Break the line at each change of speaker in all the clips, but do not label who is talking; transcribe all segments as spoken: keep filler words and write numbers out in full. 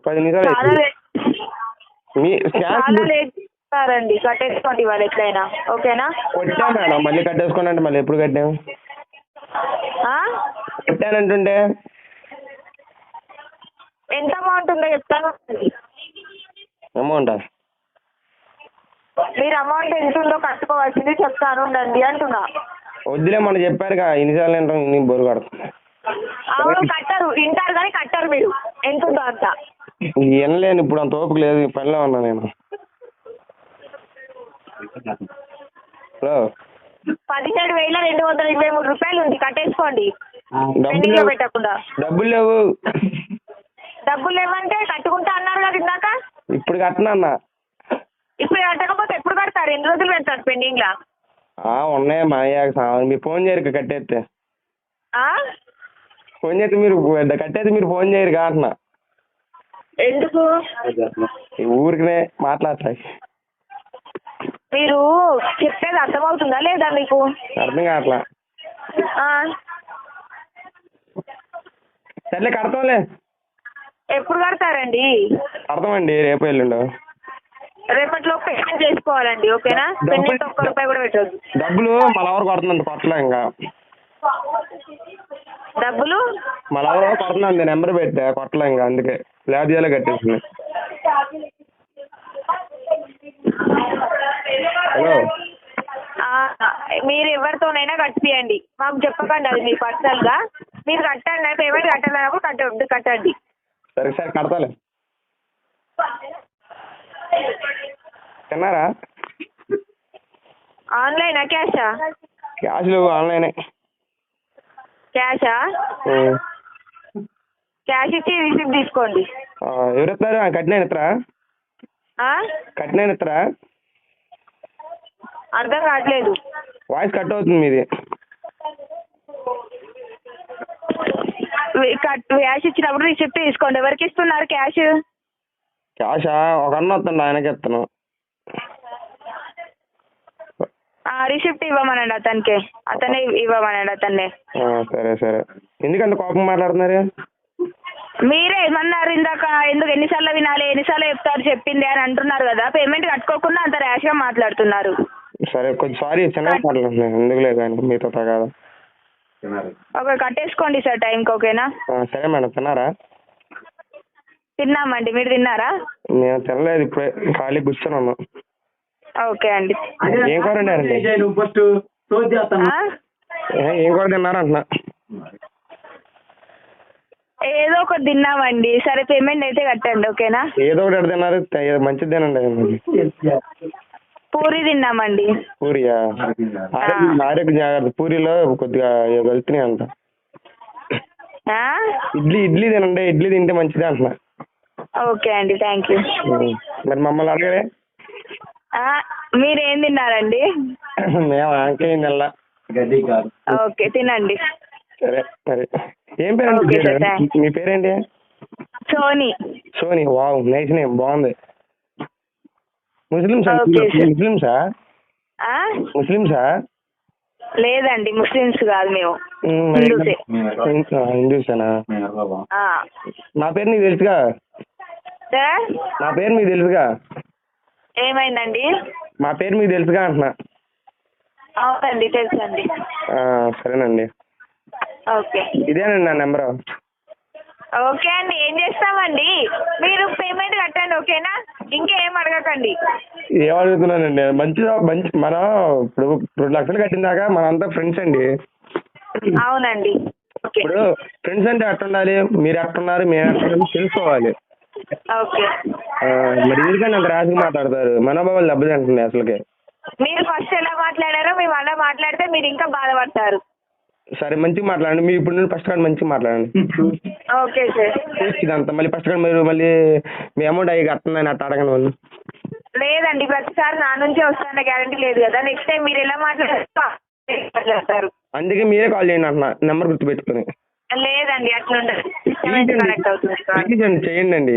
పది నిమిషాలు
చాలా
అవుతుంది.
లేట్
మీ
చాలా
స్కాన్
లేట్ చేస్తారండి. కట్టేసుకోండి ఇవాళ ఎట్లయినా, ఓకేనా?
కొట్టా మేడం, మళ్ళీ కట్టేసుకోండి అంటే మళ్ళీ ఎప్పుడు కట్టాము?
ఆ?
కొట్టానంటుంటే
ఎంత అమౌంట్ ఉందో చెప్తాను.
అమౌంటా?
మీరు అమౌంట్ ఎంత ఉందో కట్టుకోవాల్సింది చెప్తాను ఉండండి అంటున్నా.
వద్దులే, మనం చెప్పారుగా ఇన్నిసార్లు ఏంటో నీ బొరు కడుతుంది.
అవును కట్టరు, వింటారు కానీ కట్టరు మీరు ఎంత ఉందో అంత.
వినలేను ఇప్పుడు, అంత ఓపిక లేదు, పనిలో ఉన్నా నేను. హలో,
పదిహేడు వేల రెండు వందల ఇరవై మూడు రూపాయలు ఉంది, కట్టేసుకోండి.
డబ్బులు
లో
లేవు,
పెట్టకుండా.
డబ్బులు లేవు.
డబ్బులు లేవంటే కట్టుకుంటా అన్నారు కదా ఇందాక.
ఇప్పుడు కట్టనన్నా.
ఇప్పుడు కట్టకపోతే ఎప్పుడు కడతారు? ఎన్ని రోజులు పెడతారు పెండింగ్ లా?
ఉన్నాయి మా అయ్యాక. మీరు ఫోన్ చేయరు కట్టేస్తే.
ఆ?
ఫోన్ చేస్తే మీరు కట్టేస్తే మీరు ఫోన్ చేయరు అంటున్నా.
ఎందుకు?
ఊరికనే మాట్లాడతాయి.
మీరు చెప్పేది అర్థమవుతుందా లేదా మీకు?
అర్థం కావట్లా.
ఆ?
సర్లే కడతాంలే.
ఎప్పుడు కడతారండి?
కడతామండి, రేపు ఎల్లుండు.
రేపట్లో పేమెంట్ చేసుకోవాలండి, ఓకేనా? పెండింగ్ ఒక్క రూపాయి కూడా పెట్టద్దు.
డబ్బులు మళ్ళీ ఎవరు కొడుతుందండి, కొట్టలే ఇంకా.
డబ్బులు
మళ్ళీ ఎవరో కొడుతున్నాను, నెంబర్ పెట్టా, కొట్టలే ఇంకా, అందుకే ల్యాబ్ చేయాలి కట్టేసింది. హలో,
మీరు ఎవరితోనైనా కట్టియండి, మాకు చెప్పకండి అది మీ పర్సనల్గా. మీరు కట్టండి, పేమెంట్ కట్టాలన్నప్పుడు కట్టండి కట్టండి
సరే సరే కడతాలే. తిన్నారా?
ఆన్లైనా క్యాషా?
క్యాష్ లేవు, ఆన్లైనే.
క్యాషా? క్యాష్ ఇచ్చి రిసిప్ట్ తీసుకోండి.
ఎవరు ఇస్తారు? కట్టిన ఇస్తారా? కట్టిన ఇస్తారా?
అర్థం కావట్లేదు.
వాయిస్ కట్ అవుతుంది మీది.
క్యాష్ ఇచ్చినప్పుడు రిసిప్ట్ తీసుకోండి. ఎవరికి ఇస్తున్నారు క్యాష్?
క్యాషా? ఒక అన్న వస్తుంది, ఆయనకి ఇస్తాను.
రిసిప్ట్ ఇవ్వమనండి అతనికి, అతనే ఇవ్వమనండి అతన్నే.
సరే సరే. ఎందుకంత కోపం మాట్లాడుతున్నారు?
మీరే ఏమన్నారు ఇందాక? ఎందుకు ఎన్నిసార్లు వినాలి, ఎన్నిసార్లు చెప్తారు చెప్పింది అని అంటున్నారు కదా. పేమెంట్ కట్టుకోకుండా అంత ర్యాష్గా మాట్లాడుతున్నారు.
సరే కొంచెం సారీ, చిన్నగా మాట్లాడుతున్నాను, ఎందుకు లేదు కానీ మీతో కాదు.
ఓకే కట్టేసుకోండి సార్ టైంకి, ఓకేనా?
సరే మేడం. తిన్నారా?
తిన్నామండి, మీరు తిన్నారా?
నేను తినలేదు, ఇప్పుడే ఖాళీ కూర్చొని ఉన్నాను.
ఓకే అండి.
ఏం కూర అండి? ఏం కూర తిన్నారా అంటున్నా?
ఏదో ఒకటి తిన్నామండి. సరే పేమెంట్ అయితే కట్టండి, ఓకేనా?
ఏదో ఒకటి ఎక్కడ తిన్నారు? మంచిది తినండి.
పూరి తిన్నామండి.
పూరియా? ఆరోగ్య జాగ్రత్త. పూరిలో కొద్దిగా వెళ్తున్నాయి అంట. ఇడ్లీ ఇడ్లీ తినండి, ఇడ్లీ తింటే మంచిది అంటున్నా.
ఓకే అండి, థ్యాంక్ యూ.
మరి మమ్మల్ని అడగలే?
మీరేం తిన్నారండి?
మేము ఇంకేం తినలా.
ఓకే తినండి.
సరే మరి. ఏం పేరండి? మీ పేరేంటి?
Soni.
Soni. Wow, nice name, బాగుంది. ముస్లిమ్సా? ముస్లిమ్సా? ముస్లిమ్సా?
లేదండి, ముస్లిమ్స్ కాదు మేము,
హిందూసేనా? నా పేరు నీకు తెలుసుగా? నా పేరు మీకు తెలుసుగా?
ఏమైందండి?
మా పేరు మీకు తెలుసుగా అంటున్నా.
అవునండి తెలుసండి.
సరేనండి.
ఓకే,
ఇదేనండి నా నెంబరు.
ఓకే అండి, ఏం చేస్తామండి, మీరు పేమెంట్ కట్టండి, ఓకేనా? ఇంకేం అడగకండి.
ఏం అడుగుతున్నానండి? మంచిగా మంచి మనం ఇప్పుడు రెండు లక్షలు కట్టిందాక మనంతా ఫ్రెండ్స్ అండి.
అవునండి.
ఇప్పుడు ఫ్రెండ్స్ అంటే ఎట్లా ఉండాలి? మీరు ఎట్టున్నారు, మేము ఎట్టున్నాము తెలుసుకోవాలి.
ఓకే.
మరి ఎందుకంటే అంత రాజుగా మాట్లాడతారు? మనోభావాలు దెబ్బతింటుంది అసలుకే.
మీరు ఫస్ట్ ఎలా మాట్లాడారో మేము అలా మాట్లాడితే మీరు ఇంకా బాధపడతారు.
సరే మంచిగా మాట్లాడండి. మీరు ఇప్పుడు నుండి ఫస్ట్ కానీ మంచిగా మాట్లాడండి.
Okay sir.
ఇదంతా మళ్ళీ ఫస్ట్ కానీ మీరు మళ్ళీ మీ అమౌంట్ అయ్యి కట్టండి అట్లా అడగండి వాళ్ళు.
లేదండి, ప్రతిసారి నా నుంచే వస్తారన్న గ్యారంటీ లేదు కదా. నెక్స్ట్ టైం మీరు ఎలా మాట్లాడతారు?
అందుకే మీరే కాల్ చేయండి అంటున్నా, నెంబర్ గుర్తుపెట్టుకుని.
లేదండి అట్లా ఉండదు, కనెక్ట్ అవుతుంది.
చేయండి అండి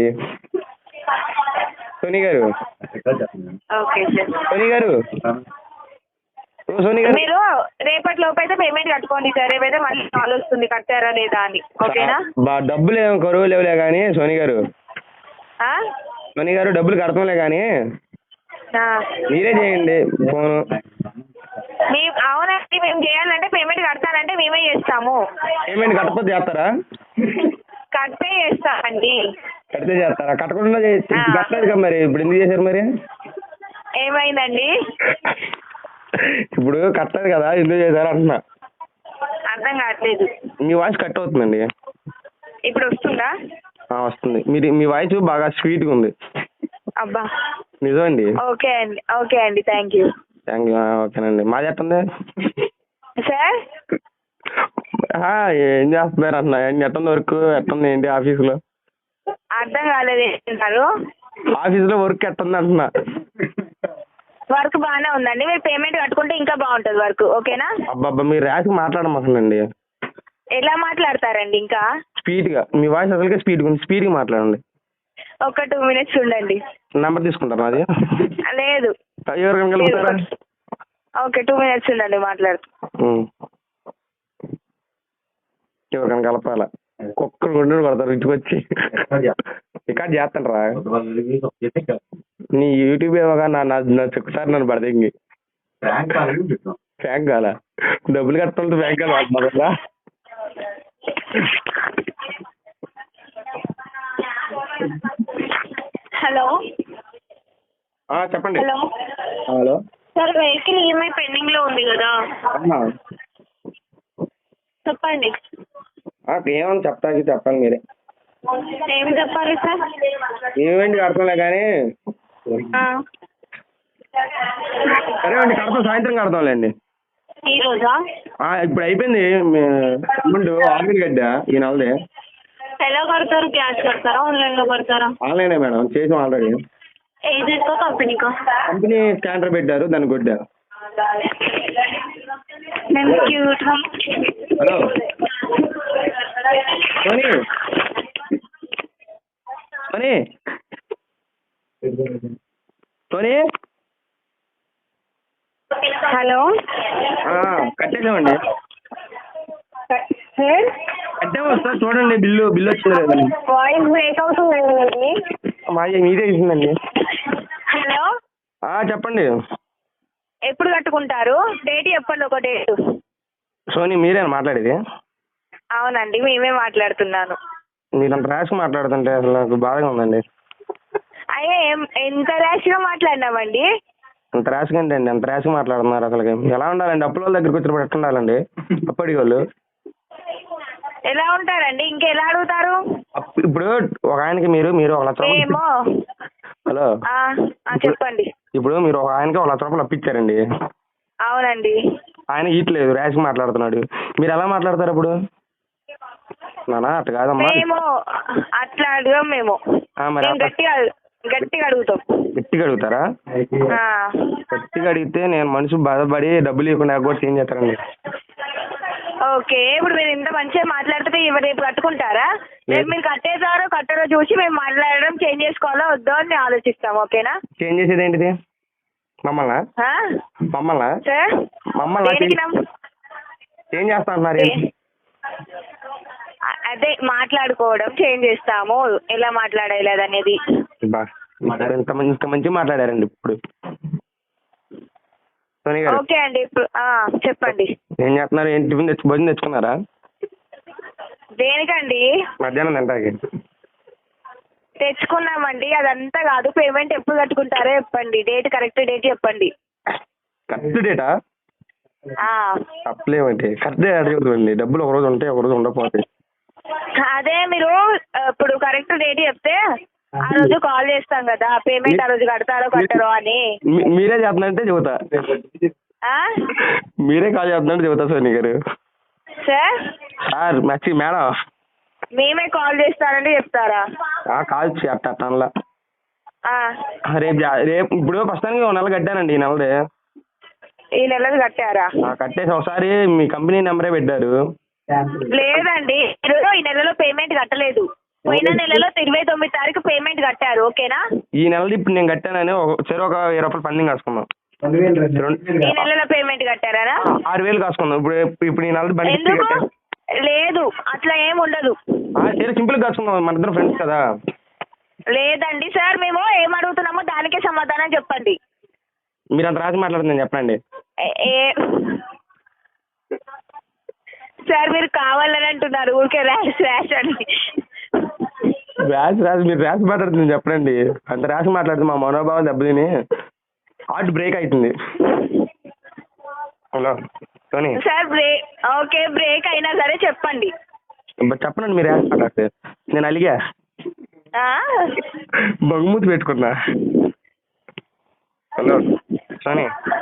సోనీ గారు.
Okay sir.
సోనీ గారు, సోనీ గారు
మీరు రేపటి లోపు అయితే పేమెంట్ కట్టుకోండి సార్. రేపైతే మళ్ళీ కాల్ వస్తుంది కట్టారా లేదా అని, ఓకేనా?
డబ్బులు ఏమో కరువు లేవులే కానీ సోనీ గారు,
ఆ?
మణి గారు డబ్బులు కడతాంలే కానీ
ఆ.
మీరే చేయండి ఫోను.
మీ అవునండి, మేము చేయాలంటే పేమెంట్ కడతానంటే మేమే చేస్తాము.
పేమెంట్ కట్టకపోతే చేస్తారా?
కడితే చేస్తామండి.
కడితే చేస్తారా? కట్టకుండా
ఆ.
కట్టలేదు కదా మరి, ఇప్పుడు ఎందుకు చేశారు మరి?
ఏమైందండి?
ఇప్పుడు కట్టలేదు కదా ఎందుకు చేశారు అంటున్నా.
అర్థం కావట్లేదు.
మీ వాయిస్ కట్ అవుతుందండి.
ఇప్పుడు వస్తుందా?
ఆ, వస్తుంది. మీరు మీ వాయిస్ బాగా స్వీట్గా ఉంది.
అబ్బా,
నిజమండి.
ఓకే అండి, ఓకే అండి, థ్యాంక్ యూ.
Thank you. ఓకేనండి. మాది ఎట్టుంది
సార్?
ఆ, ఏం చేస్తున్నారు అన్న? ఎట్టుంది వర్క్? ఎట్టుంది ఏంటి ఆఫీసులో?
అర్థం కాలేదు ఏంటన్నారు?
ఆఫీసులో వర్క్ ఎట్టుంది అంటున్నా.
వర్క్ బాగానే ఉందండి. మీరు పేమెంట్ కట్టుకుంటే ఇంకా బాగుంటుంది వర్క్. ఓకేనా?
అబ్బాబ్బా, మీరు ర్యాష్గా మాట్లాడమాకండి.
ఎలా మాట్లాడతారండి? ఇంకా
స్పీడ్గా, మీ వాయిస్ అసలుకే స్పీడ్గా ఉంది. స్పీడ్గా మాట్లాడండి.
ఒక టూ మినిట్స్ ఉండండి.
నెంబర్ తీసుకుంటారా నాది?
లేదు.
ఎవరికైనా కలుపుతారా?
ఓకే, టూ మినిట్స్ ఉండండి, మాట్లాడుతూ.
ఎవరికైనా కలపాలా? ఒక్కరు గుండెలు కొడతారు ఇంటికి వచ్చి. రికార్డ్ చేస్తాను రా. నీ యూట్యూబ్ ఏమోగా నా నా చెక్కుతారు నన్ను పడదేంగి. ఫ్యాంక్ కాలా? డబ్బులు కట్టడంతో ఫ్యాంక్ కాదు వాడుతున్నారా?
హలో
చెప్పండి.
Hello
hello
sir, vehicle EMI pending లో ఉంది కదా, చెప్పండి.
ఏమని చెప్తాకి చెప్పండి మీరే.
ఏం చెప్పాలి సార్?
ఏమేంటి కడతాంలే కానీ. సరే అండి, కడతాం, సాయంత్రం కడతాంలేండి.
ఈ రోజా?
ఇప్పుడు అయిపోయింది ముందు ఆన్లైన్ గడ్డా ఈ నెలది.
ఎలా కడతారు? క్యాష్ కడతారా, ఆన్లైన్ లో కడతారా?
ఆన్లైనే మేడం, చేసాం ఆల్రెడీ.
ఏజెంట్కో కంపెనీకో?
కంపెనీ స్కానర్ పెట్టారు, దాన్ని కొట్టారు. హలో సోనీ, సోనీ, సోనీ.
హలో,
కట్టేసామండి.
సార్
కట్టాము సార్, చూడండి బిల్లు బిల్లు వచ్చింది లేదండి.
వాయిస్ బ్రేక్ అవుతుందండి.
మా మీదే ఇస్తుందండి.
హలో
చెప్పండి.
ఎప్పుడు కట్టుకుంటారు? డేట్ చెప్పండి, ఒక డేట్.
సోనీ, మీరేనా మాట్లాడేది?
అవునండి, మేమే మాట్లాడుతున్నాను.
మీరు అంత ర్యాష్గా మాట్లాడుతుంటే అసలు నాకు బాధగా ఉందండి.
అయ్యే, ఎంత ర్యాష్గా మాట్లాడినామండి?
అంత ర్యాష్గా ఏంటండి? అంత ర్యాష్గా మాట్లాడుతున్నారు అసలు. ఎలా ఉండాలండి? అప్పుల వాళ్ళ దగ్గరికి వచ్చినప్పుడు ఎట్లా ఉండాలండి? అప్పటి వాళ్ళు
ఎలా ఉంటారండి? ఇంకెలా అడుగుతారు?
ఇప్పుడు ఒక ఆయనకి మీరు మీరు ఒక లక్ష రూపాయలు.
ఏమో.
హలో,
చెప్పండి.
ఇప్పుడు మీరు ఒక ఆయనకి ఒక లక్ష రూపాయలు అప్పించారండి.
అవునండి.
ఆయన ఇట్లేదు, ర్యాష్గా మాట్లాడుతున్నాడు. మీరు ఎలా మాట్లాడతారు ఇప్పుడు? నానా అట్లా కాదమ్మా.
మేము అట్లా అడగం. మేము గట్టిగా గట్టిగా అడుగుతాం.
గట్టిగా అడుగుతారా? గట్టిగా అడిగితే నేను మనిషి బాధపడి డబ్బులు ఇవ్వకుండా కూడా చేంజ్ చేస్తారండి.
ఓకే, ఇప్పుడు మీరు ఇంత మంచిగా మాట్లాడితే రేపు కట్టుకుంటారా? రేపు మీరు కట్టేసారో కట్టరో చూసి మేము మాట్లాడడం చేంజ్ చేసుకోవాలో వద్దో అని ఆలోచిస్తాం. ఓకేనా?
చేంజ్ చేసేది ఏంటిది? మమ్మల్ని మమ్మల్ని
సార్
మమ్మల్ని చేంజ్ చేస్తా అంటున్నారు.
అదే మాట్లాడుకోవడం చేంజ్ చేస్తాము, ఎలా మాట్లాడాలి అనేది.
ఇంత ఇంత మంచిగా మాట్లాడారండి ఇప్పుడు.
ఓకే అండి, ఇప్పుడు చెప్పండి.
ఏం చేస్తున్నారు? ఏంటి టిఫిన్ తెచ్చు భోజనం తెచ్చుకున్నారా?
దేనికండి?
మధ్యాహ్నం తింటాకి
తెచ్చుకున్నామండి. అదంతా కాదు, పేమెంట్ ఎప్పుడు కట్టుకుంటారో చెప్పండి. డేట్, కరెక్ట్ డేట్ చెప్పండి.
కరెక్ట్ డేటా? తప్పలేమండి, కరెక్ట్ డేట్ అడగండి. డబ్బులు ఒక రోజు ఉంటాయి, ఒక రోజు ఉండకపోతాయి.
అదే మీరు ఇప్పుడు కరెక్ట్ డేట్ చెప్తే ఆ రోజు కాల్ చేస్తాం కదా, పేమెంట్ ఆ రోజు కడతారో కట్టరో అని.
మీరే చేస్తున్నారంటే చెబుతా. మీరే కాల్ చేస్తున్నారంటే చెబుతా సోని గారు.
సార్
సార్ మచ్చి మేడం,
మేమే కాల్ చేస్తారంటే చెప్తారా?
కాల్ అట్లా రేపు రేపు ఇప్పుడు ప్రస్తుతానికి ఒక నెల కట్టానండి. ఈ నెలది
ఈ నెలది కట్టారా?
కట్టేసి ఒకసారి మీ కంపెనీ నెంబరే పెట్టారు.
లేదండి, మీరు ఈ నెలలో పేమెంట్ కట్టలేదు. పోయిన నెలలో ఇరవై తొమ్మిది తారీఖు పేమెంట్ కట్టారు. ఓకేనా?
ఈ నెలది ఇప్పుడు నేను కట్టానని సరే ఒక ఇరవై రూపాయలు పండింగ్ కాసుకుందాం.
ఈ నెలలో పేమెంట్ కట్టారా?
ఆరు వేలు కాసుకుందాం. ఇప్పుడు ఇప్పుడు ఈ నెల బండి
ఎందుకు లేదు? అట్లా ఏమి ఉండదు.
సింపుల్ కాసుకుందాం, మన ఇద్దరు ఫ్రెండ్స్ కదా.
లేదండి సార్, మేము ఏం అడుగుతున్నామో దానికే సమాధానం చెప్పండి.
మీరు అంత రాసి మాట్లాడుతుంది చెప్పండి.
ఏ- ఏ సార్ మీరు కావాలని అంటున్నారు, ఊరికే ర్యాష్ ర్యాష్ అని.
రాసి రాసి మీరు రాసి మాట్లాడుతుంది చెప్పండి. అంత రాసి మాట్లాడుతుంది మా మనోభావం దెబ్బతిని హార్ట్ బ్రేక్ అవుతుంది. Hello Soni
sir break okay, break అయినా సరే చెప్పండి.
చెప్పనండి మీరు రాసి మాట్లాడితే. నేను అలిగా
ఆ?
బొంగుమూతి పెట్టుకున్నా. Hello Sony